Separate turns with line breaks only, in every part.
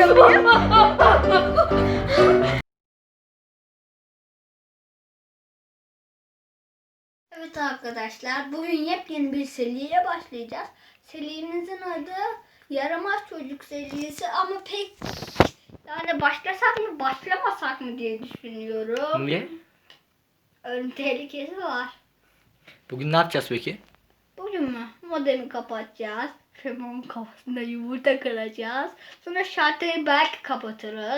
yapayım. Evet arkadaşlar, bugün yepyeni bir seriye başlayacağız. Serimizin adı Yaramaz Çocuk serisi ama pek yani başlasak mı başlamasak mı diye düşünüyorum.
Niye?
Ölüm tehlikesi var.
Bugün ne yapacağız peki?
Bugün mü? Modemi kapatacağız. Femon'un kafasında yumurta kıracağız. Sonra şalteri belki kapatırız.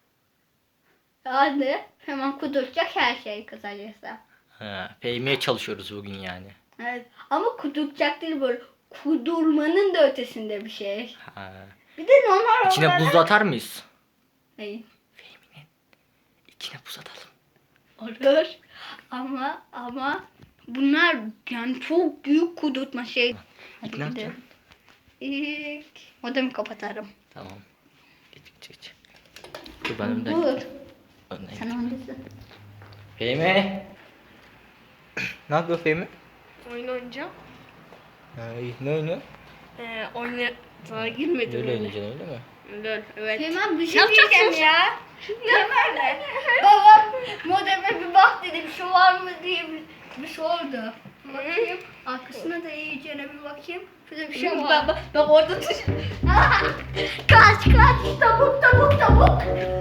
Yani hemen kuduracak her şey kısacası.
Fehmiye çalışıyoruz bugün yani.
Evet. Ama kuduracak değil, böyle kudurmanın da ötesinde bir şey.
Ha.
Bir de normal
İçine
olarak...
buz atar mıyız?
Hayır.
Fehmi'nin içine buz atalım.
Olur. Ama bunlar yani çok büyük kudurtma şey.
İlk ne yapacaksın?
İlk modemi kapatarım.
Tamam. Geç. Dur ben önden.
Dur.
Önden
Sen öndesin.
Fehmi. Ne yapıyor Fehmi?
Oyun oynayacağım.
Ne oynuyor?
Sana girmedim.
Öyle oynayacaksın öyle mi?
Öyle, evet.
Hemen bir şey
Yapacaksın
diyeceğim ya. Hemen babam modeme bir bak dedi, bir şey var mı diye bir sordu. Bakayım. Arkasına da iyice bir bakayım. Şurada bir şey var.
Bak orada tuş.
Kaç. Tavuk. Tavuk.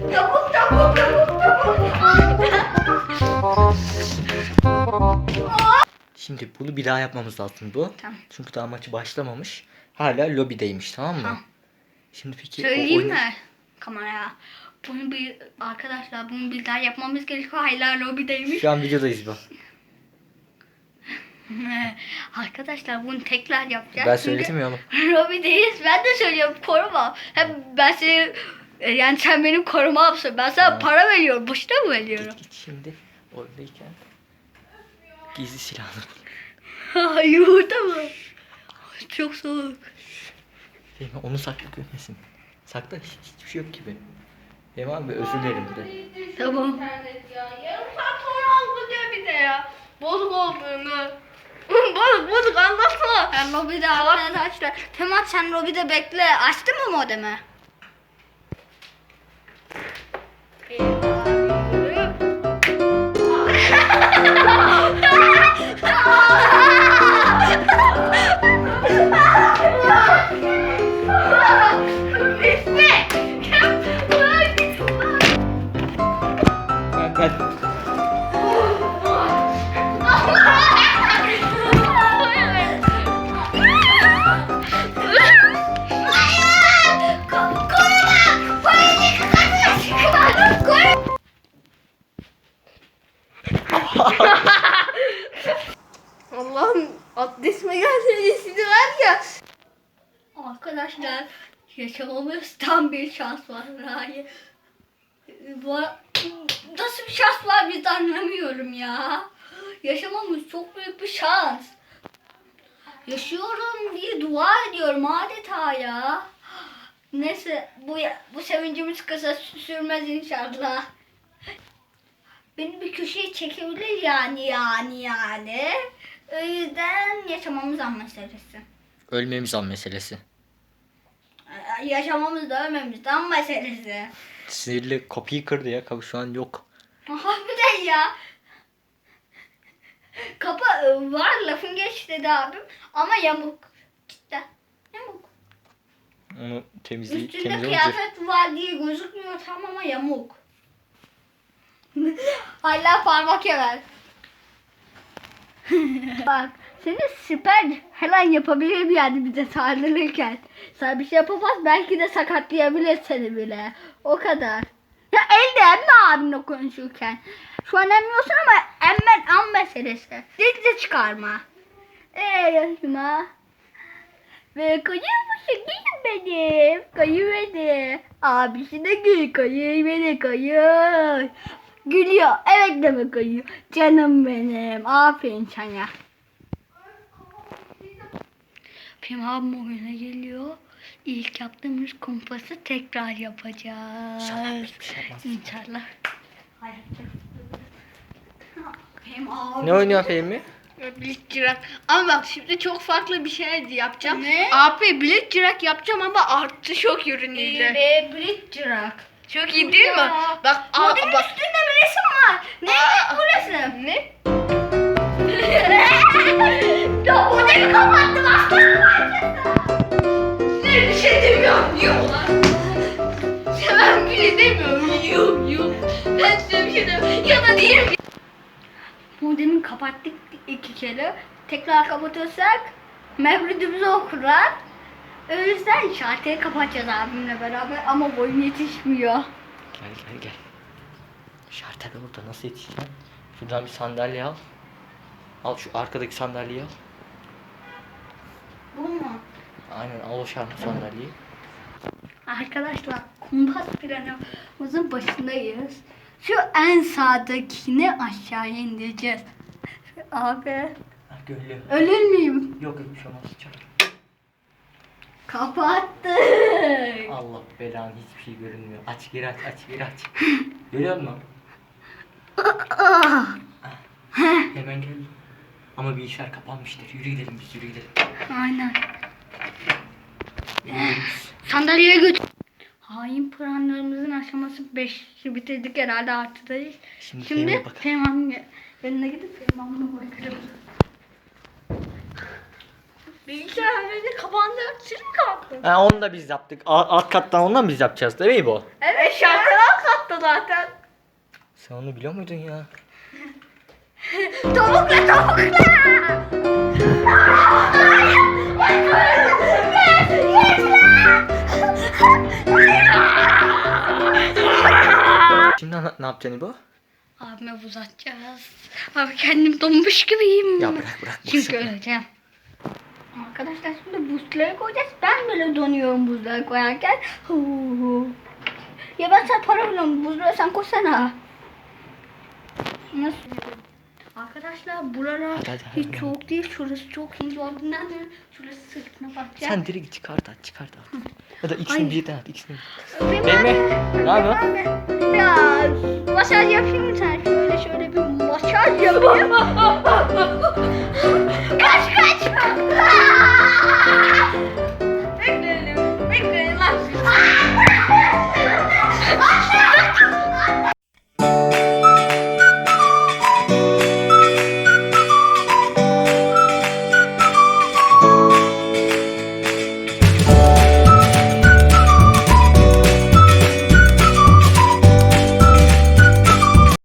Şimdi bunu bir daha yapmamız lazım bu.
Tamam.
Çünkü daha maçı başlamamış. Hala lobideymiş, tamam mı?
Tamam.
Şimdi peki
Söyleyeyim mi kameraya? Arkadaşlar bunu bir daha yapmamız gerekiyor. Hala lobideymiş.
Şu an videodayız bu.
Arkadaşlar bunu tekrar yapacağız.
Ben
Çünkü
söyledim ya oğlum.
lobideyiz. Ben de söylüyorum, koruma. Hem ben seni yani sen benim korumamsın. Ben sana para veriyorum. Boşuna mı veriyorum?
Git şimdi oradayken gizli silahını bul.
Yumurta mı? Çok soğuk.
Fehmi onu sakla görmesin. Sakla, hiçbir şey yok gibi. Fehmi abi özür dilerim de.
Tamam.
İnternet ya. Yarım saat sonra aldı diyor bir de ya. Bozuk olduğunu. Bozuk anlatsana.
Ben lobide arkadaşlar. Temel sen lobide bekle. Açtın mı modemi?
Ben
Allah'ım adresime gelse sizi var ya.
Arkadaşlar yaşamamız tam bir şans var. Hayır. Nasıl bir şans var biz anlamıyorum ya. Yaşamamız çok büyük bir şans. Yaşıyorum diye dua ediyorum adeta ya. Neyse bu sevincimiz kısa sürmez inşallah. Beni bir köşeye çekebilir yani. O yüzden yaşamamız an meselesi.
ölmemiz an meselesi.
Yaşamamız da ölmemiz de an meselesi.
Sinirli kapıyı kırdı ya. Kapı şu an yok.
Harbiden ya. Kapı var, lafın geç dedi abim ama yamuk. Cidden yamuk.
Onu
Üstünde
temizlemek
kıyafet var diye gözükmüyor tam ama yamuk. Hala parmak yemer. Bak seni siper hemen yapabilir yani bize saldırırken. Sen bir şey yapamaz, belki de sakatlayabilir seni bile. O kadar. Ya elde emme abimle konuşurken. Şu an emmiyorsun ama emmen an meselesi. Dilde çıkarma. Yaşıma. Ve kayı benim. Kayı beni. Abisi de gül. Kayı beni kayı. Gülüyor. Evet deme kayı. Canım benim. Aferin sana. Pim abim oyuna geliyor. İlk yaptığımız kumpası tekrar yapacağız.
İnşallah hiçbir şey yapmaz.
İnşallah. Hayatta. Pim abi.
Ne oynuyor Fehmi?
Bilik ama bak şimdi çok farklı bir şey yapacağım.
Ne?
Abi bilik yapacağım ama artı şok ürünüyle.
Bridgerak.
Çok iyi değil mi?
Ya.
Bak
Modelin
bak.
üstünde bir resim var. Ne bu resim?
Ne?
Ya modeli kapattım aslan parçası.
Ne bir şey demiyorum. Yok lan. Ben bir şey demiyorum. Yok. Ben size bir şey demiyorum. Ya da diyeyim.
Modemi kapattık 2 kere. Tekrar kapatırsak mevlidimizi okurlar. O yüzden şarkıyı kapatacağız abimle beraber ama boyum yetişmiyor.
Gel. Şartel orada nasıl yetişeceksin? Şuradan bir sandalye al. Al şu arkadaki sandalyeyi al.
Bu mu?
Aynen al o sandalyeyi.
Arkadaşlar kumpas planımızın başındayız. Şu en sağdakini aşağıya indireceğiz. Abi
Ha gönlüm.
ölür müyüm?
Yok bir şey olmaz. Çak.
Kapattık.
Allah belanı hiçbir şey görünmüyor. Aç geri aç Görüyor musun? Hemen gel. Ama bir işler kapanmıştır. Yürü gidelim.
Aynen. Sandalyeye götür. Hain planlarımızın aşaması 5'i bitirdik herhalde artıdayız.
Şimdi
Şimdi
Fehmi'ye bakalım.
Teğmen'in yanına gidip Teğmen'e bakarım.
Bilgisayarları kapandı. Siz mi kapattınız?
Ha onu da biz yaptık. Alt kattan ondan biz yapacağız değil mi bu?
Evet şarkılar kattı zaten.
Sen onu biliyor muydun ya?
Tavukla!
Şimdi ne yapacaksın İbo?
Abime buz atacağız. Abi kendim donmuş gibiyim.
Ya bırak.
Çünkü öleceğim. Arkadaşlar şimdi buzları koyacağız. Ben böyle donuyorum buzları koyarken. Ya ben sana para veriyorum. Buzları sen koysana. Nasıl? Arkadaşlar buralar
Hadi,
hiç soğuk değil. Şurası çok ince olduğundan dolayı şurası sırtına bakacağım.
Sen direkt çıkart at. Ya da ikisini
Ay.
birden at. İkisini.
Öpeyim
Mehmet,
abi.
ne yapıyorsun?
Ya masaj yapayım mı sen? Şöyle bir masaj yapayım. Kaç.